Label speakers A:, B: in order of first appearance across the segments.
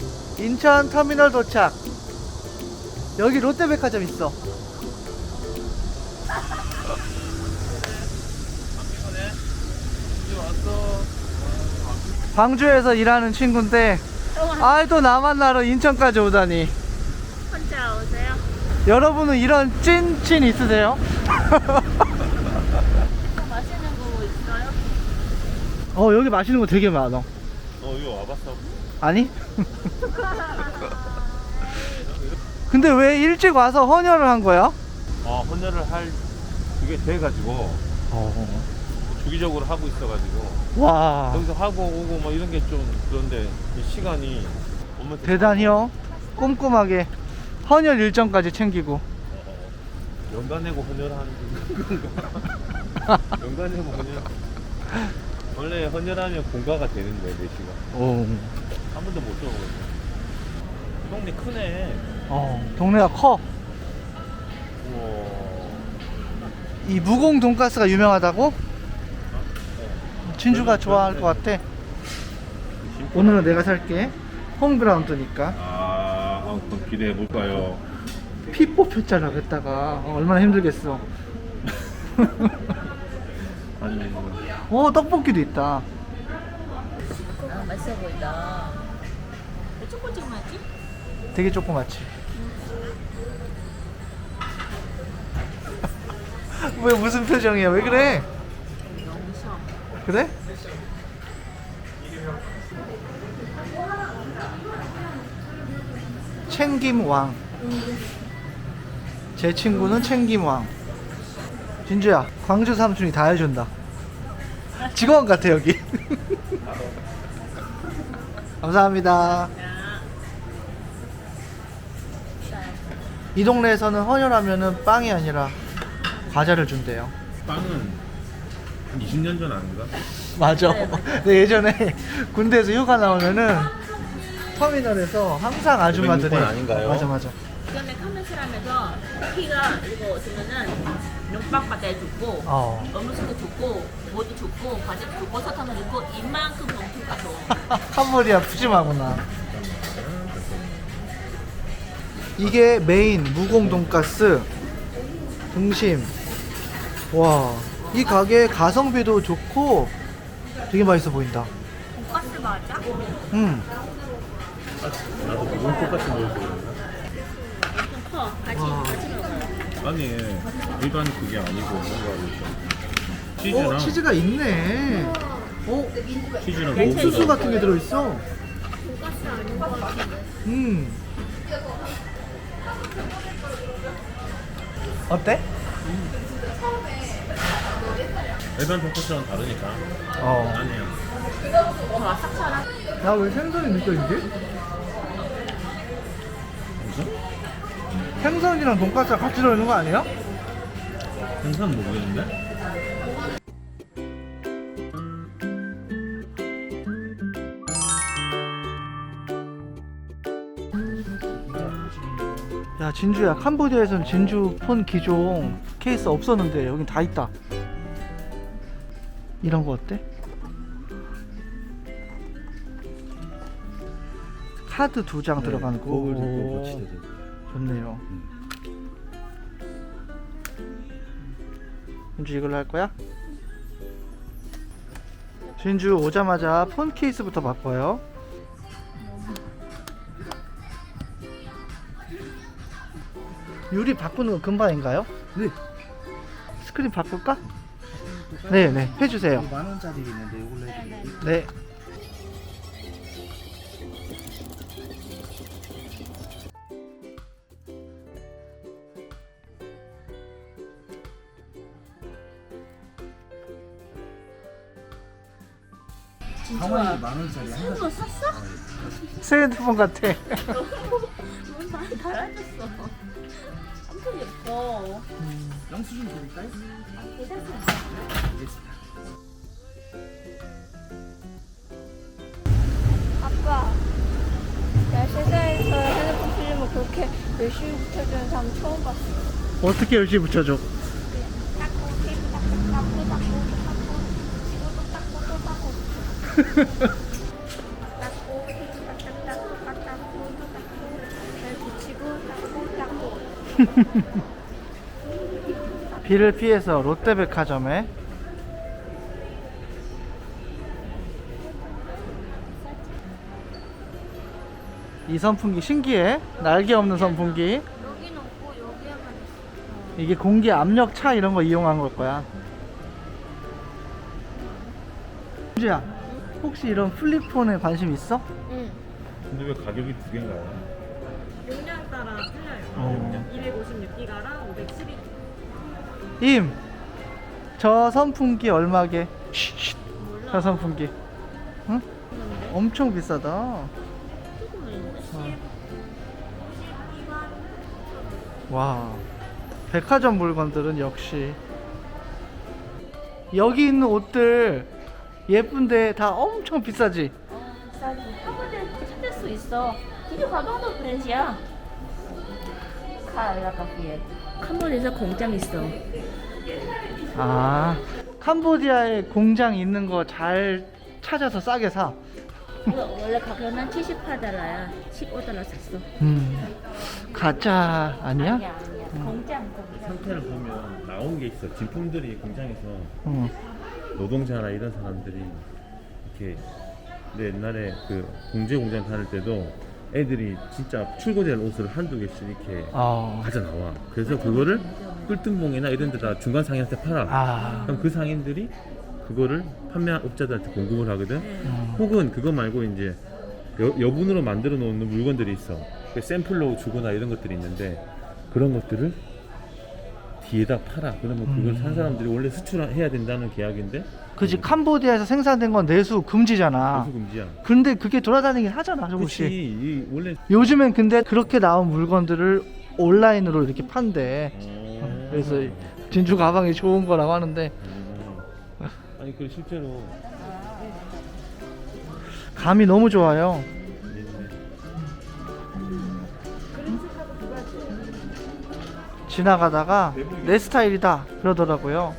A: 인천 터미널 도착. 여기 롯데백화점 있어. 광주에서 일하는 친구인데 또 나 만나러 인천까지 오다니.
B: 혼자 오세요?
A: 여러분은 이런 찐친 있으세요?
B: 맛있는 거 있어요?
A: 여기 맛있는 거 되게 많아.
C: 이거 와봤어?
A: 아니? 근데 왜 일찍 와서 헌혈을 한 거야?
C: 헌혈을 할 그게 돼가지고 주기적으로 하고 있어가지고
A: 와,
C: 여기서 하고 오고 뭐 이런 게 좀 그런데 이 시간이 엄마한테
A: 대단히요. 꼼꼼하게 헌혈 일정까지 챙기고.
C: 연간 내고 헌혈하는 건가? 연간 내고 헌혈. 원래 헌혈하면 공가가 되는데 4시간
A: 오.
C: 한 번도 못 들어보거든요. 동네 크네.
A: 동네가 커.
C: 우와.
A: 이 무공 돈가스가 유명하다고? 진주가 좋아할 것 같아. 오늘은 내가 살게. 홈그라운드니까.
C: 그럼 기대해 볼까요?
A: 피 뽑혔잖아 그랬다가. 얼마나 힘들겠어.
C: 아니
A: 떡볶이도 있다.
B: 맛있어 보인다. 왜 조금조금하지?
A: 되게 조그맣지. 왜 무슨 표정이야? 왜 그래?
B: 너무 쉬워.
A: 그래? 챙김왕. 제 친구는 챙김왕. 진주야, 광주 삼촌이 다 해준다. 직원 같아 여기. 감사합니다. 이 동네에서는 헌혈하면은 빵이 아니라 과자를 준대요.
C: 빵은 한 20년 전 아닌가?
A: 맞아. 네, 예전에 군대에서 휴가 나오면은 터미널에서 항상 아줌마들이
C: 506번 아닌가요?
A: 맞아.
B: 그전에 카메스라면서 피가 이거 주면은 눈빵 과자 줬고 음식도 줬고 뭐도 줬고 과자도 줬고 버섯 하나 줬고 이만큼 봉투가 줘.
A: 캄보디아 푸짐하구나. 이게 메인 무공 돈가스 등심. 와, 이 가게 가성비도 좋고 되게 맛있어 보인다.
B: 돈가스 맞아?
C: 나도 무슨 똑같이 먹을 거
B: 좀 커. 같이 먹어.
C: 아니 일반 그게 아니고 뭔가 치즈랑
A: 치즈가 있네.
C: 치즈랑
A: 옥수수 같은 게 들어있어.
B: 돈가스 아닌 거 같아.
A: 어때?
C: 일반 돈코스랑 다르니까 아니에요.
B: 더 아삭하나?
A: 나 왜 생선이 느껴지지?
C: 무슨?
A: 생선이랑 돈가스가 같이 들어있는 거 아니야?
C: 생선 모르겠는데?
A: 야, 진주야, 캄보디아에서는 진주 폰 기종 케이스 없었는데 여긴 다 있다. 이런 거 어때? 카드 2장 들어가는 거. 오, 좋네요. 진주 이걸로 할 거야? 진주 오자마자 폰 케이스부터 바꿔요. 유리 바꾸는 거 금방인가요?
D: 네.
A: 스크린 바꿀까? 네네, 해주세요.
D: 10,000원짜리 있는데 이걸로 해드릴게요.
A: 네.
D: 가만히 10,000원짜리 한
B: 이거 샀어?
A: 새 핸드폰 같아.
B: 너무 많이 달아줬어. 엄청 예뻐.
D: 영수증 드릴까요?
B: 괜찮습니다.
D: 알겠습니다.
E: 아빠, 나 세상에서 핸드폰 필름을 그렇게 열심히 붙여주는 사람 처음 봤어.
A: 어떻게 열심히 붙여줘?
E: 닦고, 테이프 닦고, 닦고, 닦고, 또 닦고, 지구도 닦고, 또 닦고. 닦고, 테이프 닦고, 닦고, 닦고.
A: 비를 피해서 롯데백화점에 이 선풍기 신기해. 날개 없는 선풍기.
E: 여기는 없고 여기에만 있어.
A: 이게 공기 압력 차 이런 거 이용한 걸 거야. 준주야, 혹시 이런 플립폰에 관심 있어?
E: 응.
C: 근데 왜 가격이 두 개인가요?
F: 용량 따라 틀려요.
A: 어.
F: 256기가랑 512.
A: 임, 저 선풍기 얼마게? 쉿, 저 선풍기. 응? 엄청 비싸다. 와, 백화점 물건들은 역시 여기 있는 옷들 예쁜데 다 엄청 비싸지?
B: 비싸지. 한 번에 찾을 수 있어. 이게 가방도 브랜드야. 카라카피에. 캄보디아에서 공장 있어.
A: 아, 캄보디아에 공장 있는 거 잘 찾아서 싸게 사.
B: 이거 원래 가격은 78달러야. 15달러 샀어.
A: 가짜 아니야?
B: 아니야. 공장.
C: 상태를 보면 나온 게 있어. 진품들이 공장에서
A: 응.
C: 노동자나 이런 사람들이 이렇게 근데 옛날에 그 공제 공장 다닐 때도 애들이 진짜 출고될 옷을 한두 개씩 이렇게 가져 나와. 그래서 그거를 꿀등봉이나 이런 데다 중간 상인한테 팔아.
A: 아,
C: 그럼 그 상인들이 그거를 판매한 업자들한테 공급을 하거든. 혹은 그거 말고 이제 여분으로 만들어 놓는 물건들이 있어. 그 샘플로 주거나 이런 것들이 있는데 그런 것들을 뒤에다 팔아. 그러면 그걸 산 사람들이 원래 수출해야 된다는 계약인데
A: 그지. 캄보디아에서 생산된 건 내수 금지잖아.
C: 내수 금지야.
A: 근데 그게 돌아다니긴 하잖아, 조금씩.
C: 그렇지. 이 원래
A: 요즘엔 근데 그렇게 나온 물건들을 온라인으로 이렇게 판대. 그래서 진주 가방이 좋은 거라고 하는데
C: 아니 그 실제로
A: 감이 너무 좋아요. 지나가다가 내 스타일이다 그러더라고요.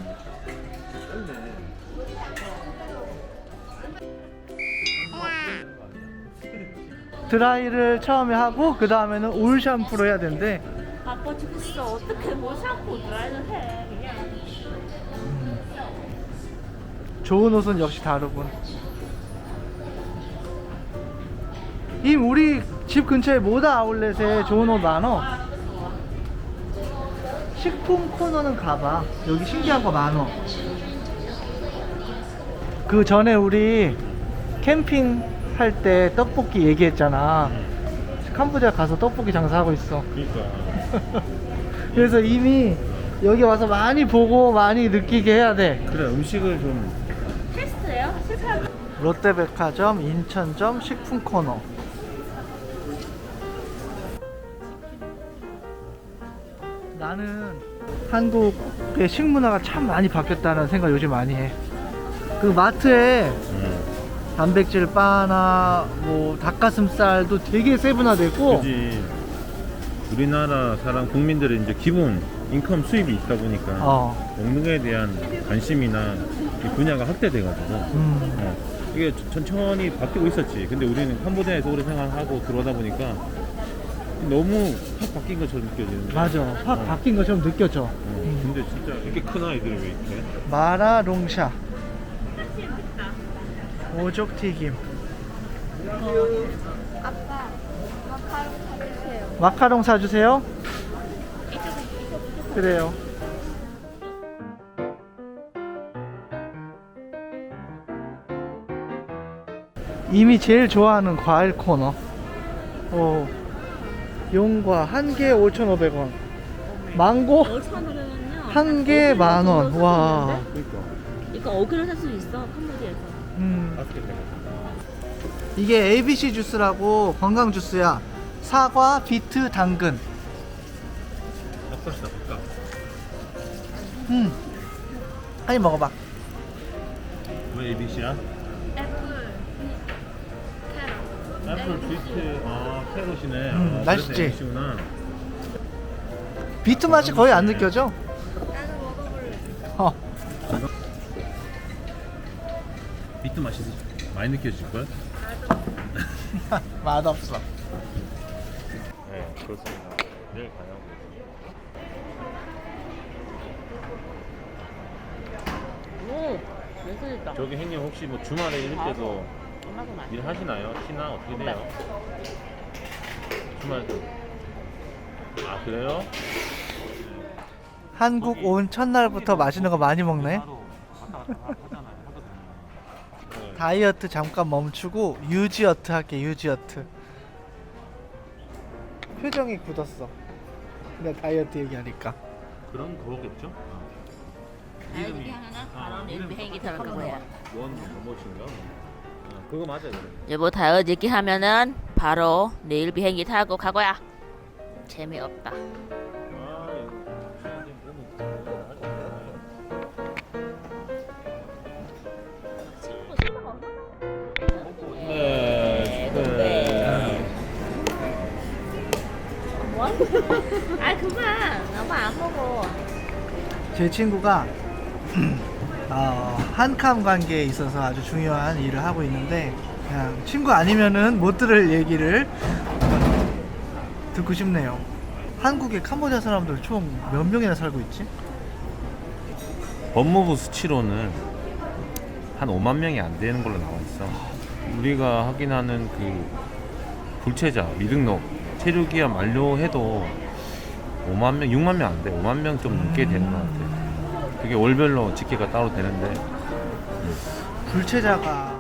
A: 드라이를 처음에 하고 그 다음에는 올 샴푸로 해야 된대.
B: 바빠 죽겠어. 어떻게 뭐 샴푸 드라이를 해. 그냥.
A: 좋은 옷은 역시 다르군. 우리 집 근처에 모다 아울렛에 좋은 옷 많어. 식품 코너는 가봐. 여기 신기한 거 많어. 그 전에 우리 캠핑 할 때 떡볶이 얘기했잖아. 캄보디아 가서 떡볶이 장사하고 있어.
C: 그러니까
A: 그래서 이미 여기 와서 많이 보고 많이 느끼게 해야 돼.
C: 그래 음식을 좀
B: 테스트예요? 실패한
A: 롯데백화점 인천점 식품 코너. 나는 한국의 식문화가 참 많이 바뀌었다는 생각 요즘 많이 해. 그 마트에 단백질 바나 뭐 닭가슴살도 되게 세분화되고.
C: 그지. 우리나라 사람 국민들은 이제 기본 인컴 수입이 있다 보니까 먹는 거에 대한 관심이나 이 분야가 확대돼가지고 이게 천천히 바뀌고 있었지. 근데 우리는 캄보디아에서 오래 생활하고 들어오다 보니까 너무 확 바뀐 것처럼 느껴지는 거야.
A: 맞아. 확 바뀐 것처럼 느껴져.
C: 근데 진짜 이렇게 큰 아이들이 왜 이렇게?
A: 마라롱샤 오족튀김.
E: 아빠, 마카롱 사주세요.
A: 마카롱 사주세요. 그래요. 이미 제일 좋아하는 과일 코너. 용과 한 개에 5,500원. 망고
B: 5,500원요.
A: 한 개 만원. 와.
C: 그러니까
B: 이거 5kg 살 수 있어. 캄보디아에서.
C: 다섯 개 빼고.
A: 이게 ABC 주스라고 건강 주스야. 사과, 비트, 당근.
C: 바꿔시다 바꿔.
A: 한입 먹어봐.
C: 왜 ABC야?
E: 애플, 캐럿.
C: 애플 비트 캐럿이네.
A: 맛있지?
C: ABC구나.
A: 비트 맛이 거의 안 느껴져.
E: 나는 먹어볼래.
A: 어.
C: 비트 맛이 많이 느껴질 걸?
A: 맛없어.
C: 네 그렇습니다. 내일 가냐고.
B: 예술이다.
C: 저기 형님 혹시 뭐 주말에 이럴 때도
B: 엄마도 많이.
C: 일 하시나요? 쉬나 어떻게 돼요? 주말도. 아 그래요?
A: 한국 온 첫날부터 맛있는 거 많이 먹네.
C: 하루 왔다 갔다 하잖아요. 하거든요. 네.
A: 다이어트 잠깐 멈추고 유지어트 할게. 유지어트. 표정이 굳었어. 내가 다이어트 얘기하니까.
C: 그런 거겠죠?
B: 이렇게 하면은 바로 내일 비행기 타는 거야.
C: 원 무엇인가? 그거 맞아요.
B: 여보 다이어트 하면은 바로 내일 비행기 타고 가고야. 재미없다.
C: 네.
B: 뭐? 아 그만. 나도 안 먹어.
A: 제 친구가 한캄 관계에 있어서 아주 중요한 일을 하고 있는데 그냥 친구 아니면은 못 들을 얘기를 듣고 싶네요. 한국에 캄보디아 사람들 총 몇 명이나 살고 있지?
C: 법무부 수치로는 한 5만 명이 안 되는 걸로 나와 있어. 우리가 확인하는 그 불체자 미등록 체류 기한 만료해도 5만 명, 6만 명 안 돼. 5만 명 좀 넘게 되는 것 같아. 그게 월별로 집계가 따로 되는데
A: 불체자가